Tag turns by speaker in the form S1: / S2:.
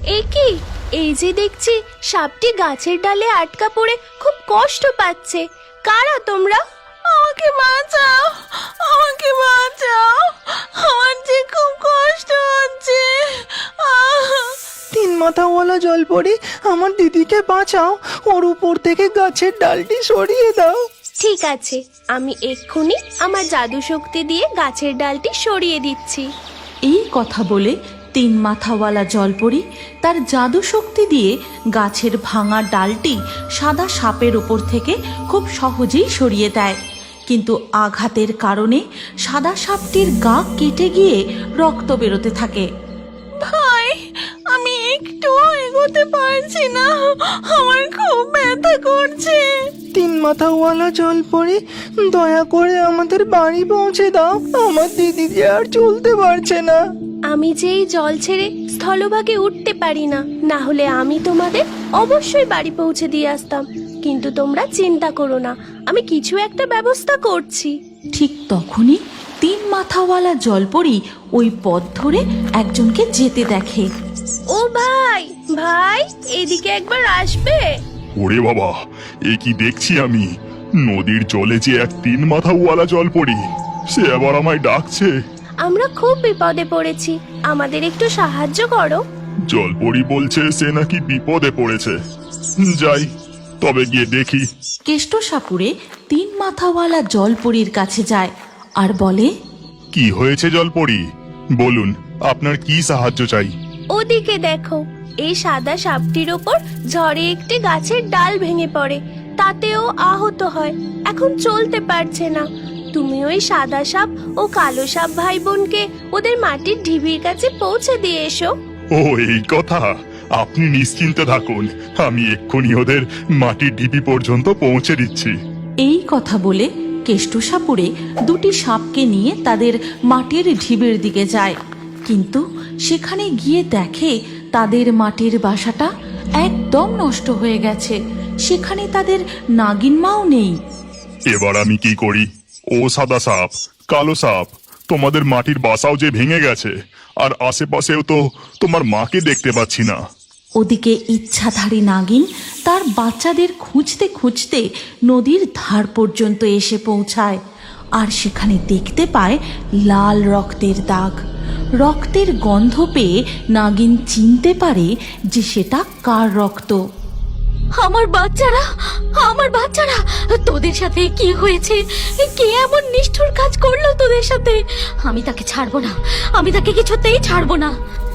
S1: একি, এই যে দেখছি সাপটি গাছের ডালে আটকা পড়ে খুব কষ্ট পাচ্ছে। কারা তোমরা? আমাকে বাঁচাও, আমাকে বাঁচাও, আমার যে খুব কষ্ট হচ্ছে।
S2: তিন মাথাওয়ালা জলপরি, আমার দিদিকে বাঁচাও, ওর উপর থেকে গাছের ডালটি সরিয়ে দাও।
S1: ঠিক আছে, আমি এক্ষুনি আমার জাদু শক্তি দিয়ে গাছের ডালটি সরিয়ে দিচ্ছি।
S3: এই কথা বলে তিন মাথাওয়ালা জলপরি তার জাদু শক্তি দিয়ে গাছের ভাঙা ডালটি সাদা সাপের ওপর থেকে খুব সহজেই সরিয়ে দেয়। কিন্তু আঘাতের কারণে সাদা সাপটির গা কেটে গিয়ে রক্ত বেরোতে থাকে।
S1: ভাই, আমি একটু এগোতে পারছি না, আমার খুব ব্যথা করছে।
S2: তিন মাথাওয়ালা জলপরি, দয়া করে আমাদের বাড়ি পৌঁছে দাও, আমার দিদি যে আর চলতে পারছে না।
S1: আমি যে এই জল ছেড়ে স্থলভাগে উঠতে পারি না, না হলে আমি তোমাদের অবশ্যই বাড়ি পৌঁছে দিয়ে আসতাম। কিন্তু তোমরা চিন্তা করো না, আমি কিছু একটা ব্যবস্থা করছি।
S3: ঠিক তখনই তিন মাথাওয়ালা জলপরি ওই পথ ধরে একজনকে যেতে দেখে।
S1: ও ভাই, ভাই এদিকে একবার আসবে?
S4: ওরে বাবা, এ কি দেখছি আমি! নদীর জলে যে এক তিন মাথাওয়ালা জলপরি, সে আবার আমায় ডাকছে।
S1: আমরা খুব বিপদে পড়েছি, আমাদের একটু সাহায্য করো।
S4: জলপরি বলছে সে নাকি বিপদে পড়েছে। যাই তবে, গিয়ে দেখি।
S3: কেষ্টসাপুরে তিন মাথাওয়ালা জলপরির কাছে যায় আর বলে,
S4: কি হয়েছে জলপরি, বলুন, আপনার কি সাহায্য চাই?
S1: ওদিকে দেখো, এই সাদা সাপটির ওপর ঝড়ে একটি গাছের ডাল ভেঙে পড়ে, তাতেও আহত হয়, এখন চলতে পারছে না। তুমি ওই সাদা সাপ ও কালো সাপ ভাই বোনকে ওদের মাটির ঢিবির কাছে পৌঁছে দিয়ে এসো।
S4: ও, এই কথা! আপনি নিশ্চিন্তে থাকুন, আমি এক্ষুনি ওদের মাটির ঢিপি পর্যন্ত পৌঁছে দিচ্ছি।
S3: এই কথা বলে কেষ্টসাপুরে দুটি সাপকে নিয়ে তাদের মাটির ঢিবির দিকে যায়। কিন্তু সেখানে গিয়ে দেখে তাদের মাটির বাসাটা একদম নষ্ট হয়ে গেছে, সেখানে তাদের নাগিন মাও নেই।
S4: এবার আমি কি করি? ও সাদা সাপ, কালো সাপ, তোমাদের মাটির বাসাও যে ভেঙে গেছে, আর আশেপাশেও তো তোমার মাকে দেখতে পাচ্ছি না।
S3: ওদিকে ইচ্ছাধারী নাগিন তার বাচ্চাদের খুঁজতে খুঁজতে নদীর ধার পর্যন্ত এসে পৌঁছায়, আর সেখানে দেখতে পায় লাল রক্তের দাগ। রক্তের গন্ধ পেয়ে নাগিন চিনতে পারে যে সেটা কার রক্ত।
S5: আমার বাচ্চারা, আমার বাচ্চারা, তোদের সাথে কি হয়েছে? কে এমন নিষ্ঠুর কাজ করলো তোদের সাথে? আমি তাকে ছাড়বো না, আমি তাকে কিছুতেই ছাড়বো না।